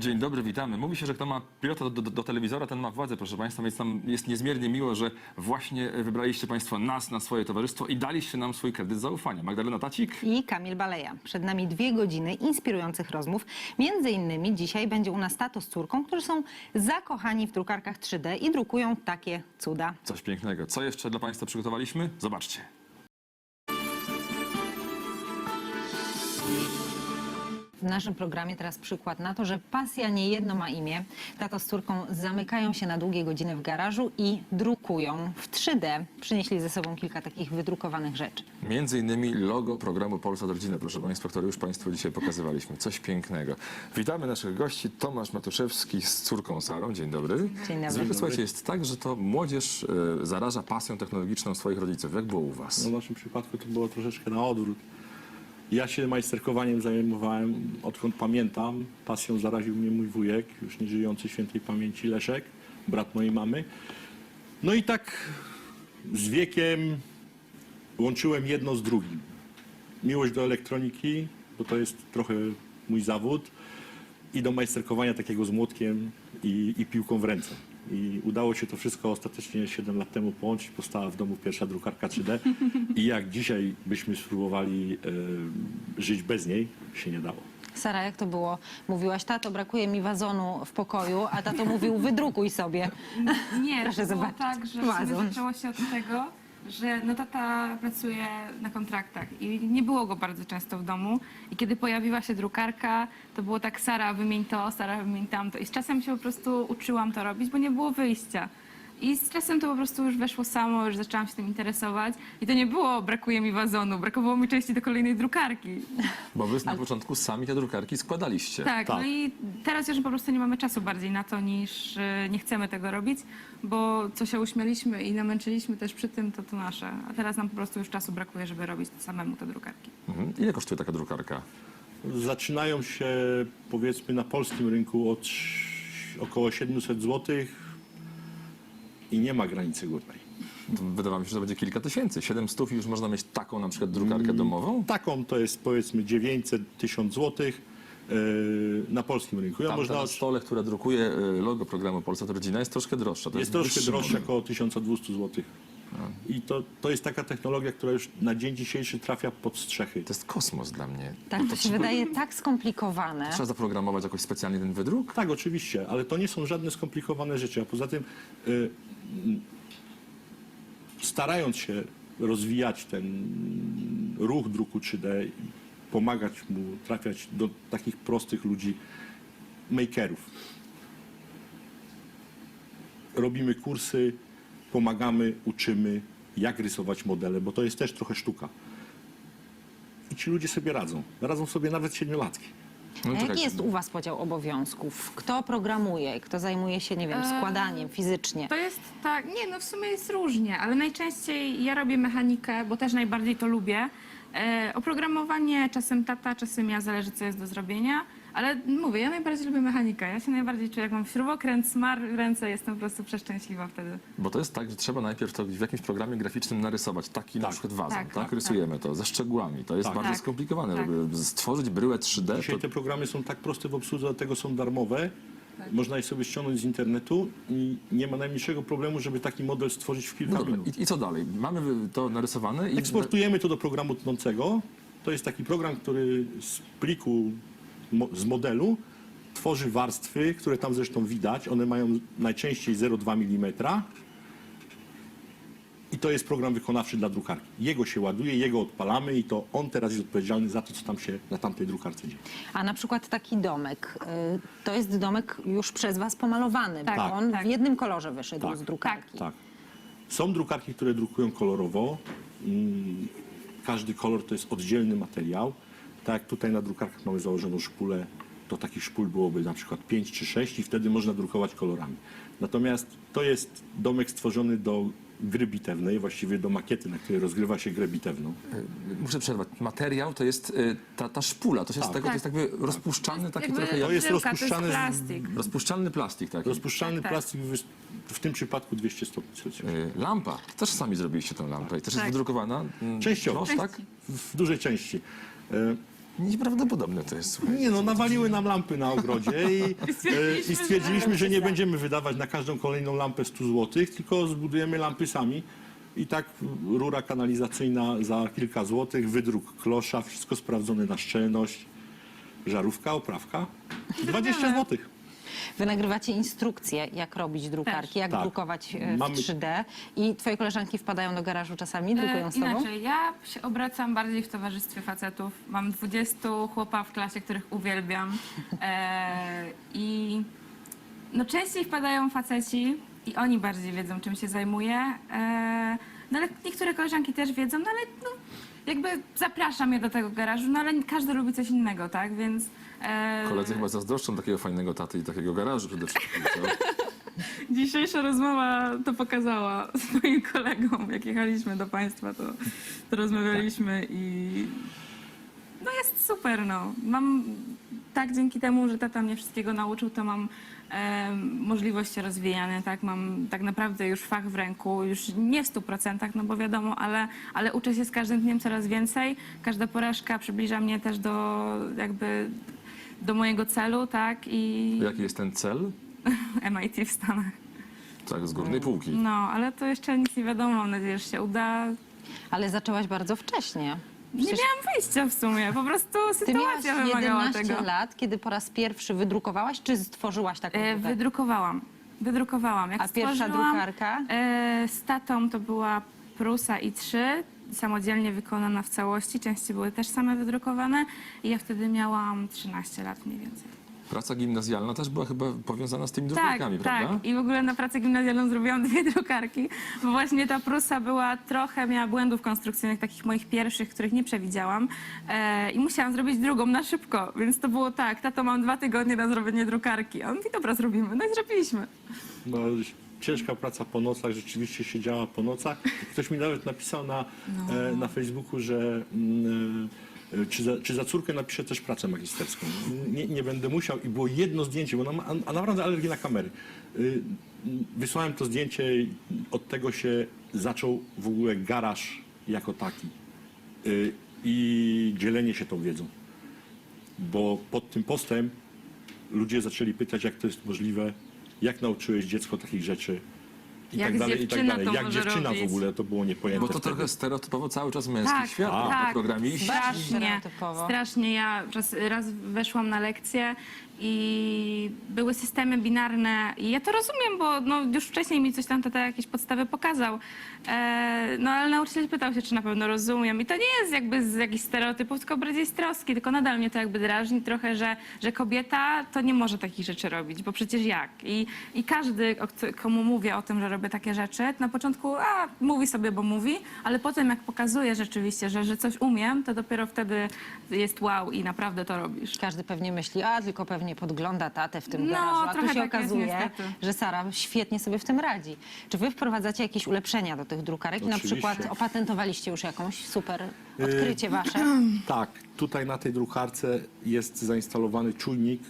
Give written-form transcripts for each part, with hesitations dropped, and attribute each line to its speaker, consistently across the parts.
Speaker 1: Dzień dobry, witamy. Mówi się, że kto ma pilota do telewizora, ten ma władzę, proszę Państwa, więc nam jest niezmiernie miło, że właśnie wybraliście Państwo nas na swoje towarzystwo i daliście nam swój kredyt zaufania. Magdalena Tacik
Speaker 2: i Kamil Baleja. Przed nami 2 godziny inspirujących rozmów. Między innymi dzisiaj będzie u nas tato z córką, którzy są zakochani w drukarkach 3D i drukują takie cuda.
Speaker 1: Coś pięknego. Co jeszcze dla Państwa przygotowaliśmy? Zobaczcie.
Speaker 2: W naszym programie teraz przykład na to, że pasja niejedno ma imię. Tato z córką zamykają się na długie godziny w garażu i drukują w 3D. Przynieśli ze sobą kilka takich wydrukowanych rzeczy.
Speaker 1: Między innymi logo programu Polsat Rodzina, proszę Państwa, który już Państwu dzisiaj pokazywaliśmy. Coś pięknego. Witamy naszych gości. Tomasz Matuszewski z córką Sarą. Dzień dobry.
Speaker 2: Dzień dobry.
Speaker 1: Zwykle, słuchajcie, jest tak, że to młodzież zaraża pasją technologiczną swoich rodziców. Jak było u Was?
Speaker 3: No w naszym przypadku to było troszeczkę na odwrót. Ja się majsterkowaniem zajmowałem odkąd pamiętam. Pasją zaraził mnie mój wujek, już nieżyjący świętej pamięci Leszek, brat mojej mamy. No i tak z wiekiem łączyłem jedno z drugim. Miłość do elektroniki, bo to jest trochę mój zawód, i do majsterkowania takiego z młotkiem i piłką w ręce. I udało się to wszystko ostatecznie 7 lat temu połączyć. Powstała w domu pierwsza drukarka 3D. I jak dzisiaj byśmy spróbowali żyć bez niej, się nie dało.
Speaker 2: Sara, jak to było? Mówiłaś, tato, brakuje mi wazonu w pokoju, a tato mówił, wydrukuj sobie.
Speaker 4: Nie,
Speaker 2: Proszę
Speaker 4: to było
Speaker 2: zobaczyć.
Speaker 4: tak, że
Speaker 2: Wazon.
Speaker 4: zaczęło się od tego, że no tata pracuje na kontraktach i nie było go bardzo często w domu. I kiedy pojawiła się drukarka, to było tak, Sara, wymień to, Sara, wymień tamto. I z czasem się po prostu uczyłam to robić, bo nie było wyjścia. I z czasem to po prostu już weszło samo, już zaczęłam się tym interesować. I to nie było, brakuje mi wazonu, brakowało mi części do kolejnej drukarki.
Speaker 1: Bo Wy na początku sami te drukarki składaliście.
Speaker 4: Tak,
Speaker 3: Tak.
Speaker 4: no i teraz już po prostu nie mamy czasu bardziej na to, niż nie chcemy tego robić, bo co się uśmialiśmy i namęczyliśmy też przy tym, to nasze. A teraz nam po prostu już czasu brakuje, żeby robić samemu te drukarki.
Speaker 1: Mhm. Ile kosztuje taka drukarka?
Speaker 3: Zaczynają się, powiedzmy, na polskim rynku od około 700 zł i nie ma granicy górnej.
Speaker 1: To wydawało mi się, że to będzie kilka tysięcy. 700 i już można mieć taką na przykład drukarkę domową?
Speaker 3: Taką to jest, powiedzmy, 900-1000 zł na polskim rynku. Ja
Speaker 1: Tamta
Speaker 3: można
Speaker 1: na stole, która drukuje logo programu Polsat Rodzina, jest troszkę droższa. To
Speaker 3: jest troszkę
Speaker 1: wyższy
Speaker 3: droższe,
Speaker 1: model.
Speaker 3: około 1200 zł. I to jest taka technologia, która już na dzień dzisiejszy trafia pod strzechy.
Speaker 1: To jest kosmos dla mnie.
Speaker 2: Tak, to się wydaje tak skomplikowane.
Speaker 1: Trzeba zaprogramować jakoś specjalnie ten wydruk?
Speaker 3: Tak, oczywiście, ale to nie są żadne skomplikowane rzeczy. A poza tym, starając się rozwijać ten ruch druku 3D, pomagać mu trafiać do takich prostych ludzi, makerów. Robimy kursy, pomagamy, uczymy, jak rysować modele, bo to jest też trochę sztuka. I ci ludzie sobie radzą. Radzą sobie nawet 7-latki.
Speaker 1: No,
Speaker 2: A jaki
Speaker 1: czekajcie.
Speaker 2: jest u was podział obowiązków? Kto programuje, kto zajmuje się, nie wiem, składaniem fizycznie?
Speaker 4: To jest tak, nie no w sumie jest różnie, ale najczęściej ja robię mechanikę, bo też najbardziej to lubię. Oprogramowanie czasem tata, czasem ja, zależy co jest do zrobienia. Ale mówię, ja najbardziej lubię mechanikę. Ja się najbardziej czuję, jak mam śrubokręt, smar w ręce, jestem po prostu przeszczęśliwa wtedy.
Speaker 1: Bo to jest tak, że trzeba najpierw to w jakimś programie graficznym narysować taki na
Speaker 3: Tak.
Speaker 1: przykład wazon, tak?
Speaker 4: Tak,
Speaker 1: Rysujemy to ze szczegółami. To jest
Speaker 3: Tak.
Speaker 1: bardzo
Speaker 4: Tak.
Speaker 1: skomplikowane,
Speaker 4: Tak.
Speaker 1: żeby stworzyć bryłę 3D.
Speaker 3: Dzisiaj
Speaker 1: To...
Speaker 3: te programy są tak proste w obsłudze, dlatego są darmowe. Można je sobie ściągnąć z internetu i nie ma najmniejszego problemu, żeby taki model stworzyć w kilka
Speaker 1: No dobra,
Speaker 3: minut.
Speaker 1: i co dalej? Mamy to narysowane i...
Speaker 3: Eksportujemy to do programu tnącego. To jest taki program, który z pliku, z modelu tworzy warstwy, które tam zresztą widać. One mają najczęściej 0,2 mm. I to jest program wykonawczy dla drukarki. Jego się ładuje, jego odpalamy i to on teraz jest odpowiedzialny za to, co tam się na tamtej drukarce dzieje.
Speaker 2: A na przykład taki domek, to jest domek już przez was pomalowany,
Speaker 4: Tak,
Speaker 2: bo on
Speaker 4: tak.
Speaker 2: w jednym kolorze wyszedł
Speaker 3: Tak.
Speaker 2: z drukarki.
Speaker 3: Tak. Są drukarki, które drukują kolorowo. Każdy kolor to jest oddzielny materiał. Tak jak tutaj na drukarkach mamy założoną szpulę, to takich szpul byłoby na przykład 5 czy 6 i wtedy można drukować kolorami. Natomiast to jest domek stworzony do gry bitewnej, właściwie do makiety, na której rozgrywa się grę bitewną.
Speaker 1: Muszę przerwać. Materiał to jest ta szpula, to się z
Speaker 3: Tak.
Speaker 1: tego, to jest jakby rozpuszczalny taki
Speaker 4: Jakby
Speaker 1: trochę...
Speaker 3: To jest
Speaker 4: bryłka,
Speaker 3: rozpuszczany z-
Speaker 4: to jest plastik.
Speaker 1: Rozpuszczalny plastik taki.
Speaker 3: Rozpuszczalny
Speaker 4: Tak.
Speaker 3: plastik w tym przypadku 200 stopni Celsjusza.
Speaker 1: Lampa. Też sami zrobiliście tę lampę i też jest
Speaker 4: Tak.
Speaker 1: wydrukowana?
Speaker 3: Częściowo.
Speaker 1: Tak?
Speaker 3: W dużej części.
Speaker 1: Nieprawdopodobne to jest, słuchaj.
Speaker 3: Nie no, nawaliły nam lampy na ogrodzie i stwierdziliśmy, że nie będziemy wydawać na każdą kolejną lampę 100 zł, tylko zbudujemy lampy sami. I tak rura kanalizacyjna za kilka złotych, wydruk klosza, wszystko sprawdzone na szczelność, żarówka, oprawka, 20 złotych.
Speaker 2: Wy nagrywacie instrukcje, jak robić drukarki, jak
Speaker 3: Tak.
Speaker 2: drukować
Speaker 3: Mamy-
Speaker 2: w 3D i twoje koleżanki wpadają do garażu czasami, drukują z tobą?
Speaker 4: Inaczej, ja się obracam bardziej w towarzystwie facetów. Mam 20 chłopa w klasie, których uwielbiam. I no częściej wpadają faceci i oni bardziej wiedzą, czym się zajmuję. No ale niektóre koleżanki też wiedzą, no ale no, jakby zapraszam je do tego garażu, no ale każdy lubi coś innego, tak? Więc
Speaker 1: Koledzy chyba zazdroszczą takiego fajnego taty i takiego garażu przede wszystkim, co?
Speaker 4: dzisiejsza rozmowa to pokazała swoim kolegom. Jak jechaliśmy do państwa, to rozmawialiśmy i no jest super, no. Mam tak dzięki temu, że tata mnie wszystkiego nauczył, to mam możliwości rozwijane, tak? Mam tak naprawdę już fach w ręku, już nie w 100%, no bo wiadomo, ale uczę się z każdym dniem coraz więcej. Każda porażka przybliża mnie też do mojego celu, tak? I
Speaker 1: Jaki jest ten cel?
Speaker 4: MIT w Stanach.
Speaker 1: Tak, z górnej półki.
Speaker 4: No, ale to jeszcze nic nie wiadomo, mam nadzieję, że się uda.
Speaker 2: Ale zaczęłaś bardzo wcześnie.
Speaker 4: Nie miałam wyjścia w sumie, po prostu
Speaker 2: Ty miałaś
Speaker 4: sytuacja wymagała
Speaker 2: 11
Speaker 4: tego.
Speaker 2: lat, kiedy po raz pierwszy wydrukowałaś, czy stworzyłaś taką drukarkę?
Speaker 4: Wydrukowałam. Jak
Speaker 2: A pierwsza
Speaker 4: stworzyłam,
Speaker 2: drukarka?
Speaker 4: Z tatą to była Prusa i3, samodzielnie wykonana w całości. Części były też same wydrukowane i ja wtedy miałam 13 lat mniej więcej.
Speaker 1: Praca gimnazjalna też była chyba powiązana z tymi
Speaker 4: Tak,
Speaker 1: drukarkami, prawda?
Speaker 4: tak. I w ogóle na pracę gimnazjalną zrobiłam 2 drukarki, bo właśnie ta Prusa miała błędów konstrukcyjnych, takich moich pierwszych, których nie przewidziałam. I musiałam zrobić drugą na szybko, więc to było tak, tato, mam 2 tygodnie na zrobienie drukarki. A on mówi, dobra, zrobimy. No i zrobiliśmy.
Speaker 3: No, ciężka praca po nocach, rzeczywiście siedziała po nocach. Ktoś mi nawet napisał na Facebooku, że czy za córkę napiszę też pracę magisterską. Nie będę musiał i było jedno zdjęcie, bo ona ma naprawdę alergię na kamery. Wysłałem to zdjęcie i od tego się zaczął w ogóle garaż jako taki i dzielenie się tą wiedzą. Bo pod tym postem ludzie zaczęli pytać, jak to jest możliwe, jak nauczyłeś dziecko takich rzeczy i
Speaker 4: Jak
Speaker 3: tak dalej, i tak
Speaker 4: dziewczyna
Speaker 3: dalej.
Speaker 4: to
Speaker 3: Jak
Speaker 4: może
Speaker 3: dziewczyna
Speaker 4: robić.
Speaker 3: w ogóle, to było niepojęte
Speaker 1: Bo to
Speaker 3: wtedy.
Speaker 1: trochę stereotypowo cały czas męski świat, prawda?
Speaker 4: tak.
Speaker 1: Programiści.
Speaker 4: Strasznie,
Speaker 2: Stereotypowo.
Speaker 4: strasznie. Ja raz weszłam na lekcję i były systemy binarne i ja to rozumiem, bo no, już wcześniej mi coś tam tata jakieś podstawy pokazał. No ale nauczyciel pytał się, czy na pewno rozumiem i to nie jest jakby z jakichś stereotypów, tylko bardziej z troski, tylko nadal mnie to jakby drażni trochę, że kobieta to nie może takich rzeczy robić, bo przecież jak? I każdy, komu mówię o tym, że robię takie rzeczy, na początku mówi sobie, bo mówi, ale potem jak pokazuje rzeczywiście, że coś umiem, to dopiero wtedy jest wow i naprawdę to robisz.
Speaker 2: Każdy pewnie myśli, tylko pewnie podgląda tatę w tym
Speaker 4: No,
Speaker 2: garażu, a tu
Speaker 4: trochę
Speaker 2: się
Speaker 4: tak jest,
Speaker 2: okazuje,
Speaker 4: niestety.
Speaker 2: że Sara świetnie sobie w tym radzi. Czy wy wprowadzacie jakieś ulepszenia do tych drukarek? Na
Speaker 3: Oczywiście.
Speaker 2: przykład opatentowaliście już jakąś super odkrycie wasze?
Speaker 3: Tak, tutaj na tej drukarce jest zainstalowany czujnik,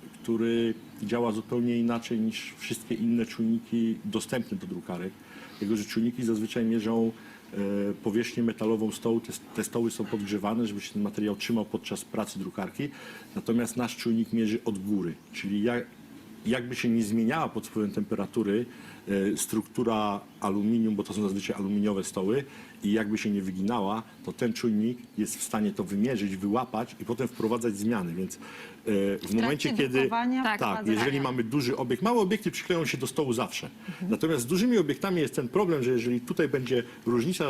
Speaker 3: który działa zupełnie inaczej niż wszystkie inne czujniki dostępne do drukarek. Jego, że czujniki zazwyczaj mierzą powierzchnię metalową stołu. Te stoły są podgrzewane, żeby się ten materiał trzymał podczas pracy drukarki. Natomiast nasz czujnik mierzy od góry, czyli jakby się nie zmieniała pod wpływem temperatury struktura aluminium, bo to są zazwyczaj aluminiowe stoły, i jakby się nie wyginała, to ten czujnik jest w stanie to wymierzyć, wyłapać i potem wprowadzać zmiany. Więc w momencie, kiedy
Speaker 2: drukowania
Speaker 4: Tak,
Speaker 2: wprowadzania.
Speaker 3: jeżeli mamy duży obiekt, małe obiekty przykleją się do stołu zawsze. Natomiast z dużymi obiektami jest ten problem, że jeżeli tutaj będzie różnica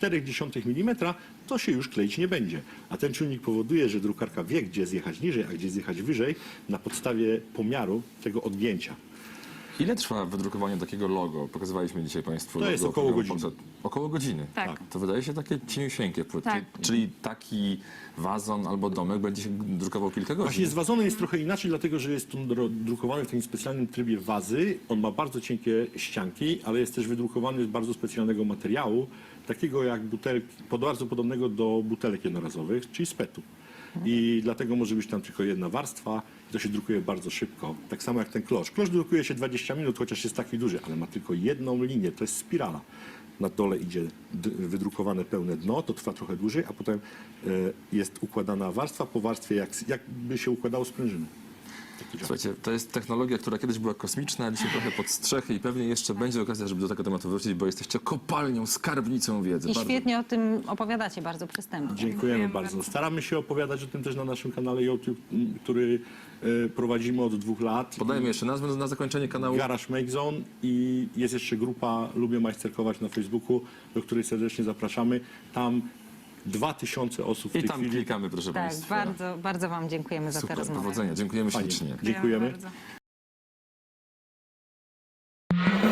Speaker 3: 0,4 mm, to się już kleić nie będzie. A ten czujnik powoduje, że drukarka wie, gdzie zjechać niżej, a gdzie zjechać wyżej na podstawie pomiaru tego odgięcia.
Speaker 1: Ile trwa wydrukowanie takiego logo? Pokazywaliśmy dzisiaj Państwu.
Speaker 3: To jest
Speaker 1: logo
Speaker 3: około
Speaker 1: programu
Speaker 3: godziny.
Speaker 1: Polsat. Około godziny.
Speaker 4: Tak.
Speaker 1: To wydaje się takie cieniusieńkie.
Speaker 4: Tak.
Speaker 1: Czyli taki wazon albo domek będzie się drukował kilka godzin.
Speaker 3: Właśnie z wazonem jest trochę inaczej, dlatego że jest on drukowany w takim specjalnym trybie wazy. On ma bardzo cienkie ścianki, ale jest też wydrukowany z bardzo specjalnego materiału, takiego jak butelki, bardzo podobnego do butelek jednorazowych, czyli z PET-u. I dlatego może być tam tylko jedna warstwa i to się drukuje bardzo szybko. Tak samo jak ten klosz. Klosz drukuje się 20 minut, chociaż jest taki duży, ale ma tylko jedną linię, to jest spirala. na dole idzie wydrukowane pełne dno, to trwa trochę dłużej, a potem jest układana warstwa po warstwie, jakby się układało sprężyny. Tak to działa.
Speaker 1: Słuchajcie, to jest technologia, która kiedyś była kosmiczna, a dzisiaj trochę pod strzechy i pewnie jeszcze będzie okazja, żeby do tego tematu wrócić, bo jesteście kopalnią, skarbnicą wiedzy.
Speaker 2: I
Speaker 1: Bardzo-
Speaker 2: świetnie o tym opowiadacie, bardzo przystępnie.
Speaker 3: Dziękujemy
Speaker 4: Dziękujemy
Speaker 3: bardzo.
Speaker 4: bardzo.
Speaker 3: Staramy się opowiadać o tym też na naszym kanale YouTube, który prowadzimy od 2 lat.
Speaker 1: Podajmy jeszcze nazwę na zakończenie kanału.
Speaker 3: Garage Make Zone i jest jeszcze grupa Lubię Majsterkować na Facebooku, do której serdecznie zapraszamy. Tam 2000 osób w
Speaker 1: I
Speaker 3: tej
Speaker 1: tam
Speaker 3: chwili.
Speaker 1: klikamy, proszę
Speaker 2: Tak,
Speaker 1: Państwa.
Speaker 2: bardzo, bardzo Wam dziękujemy za tę
Speaker 1: Super,
Speaker 2: rozmowę.
Speaker 1: powodzenia. Dziękujemy
Speaker 3: Fajnie.
Speaker 1: ślicznie.
Speaker 3: Dziękujemy.
Speaker 4: Bardzo.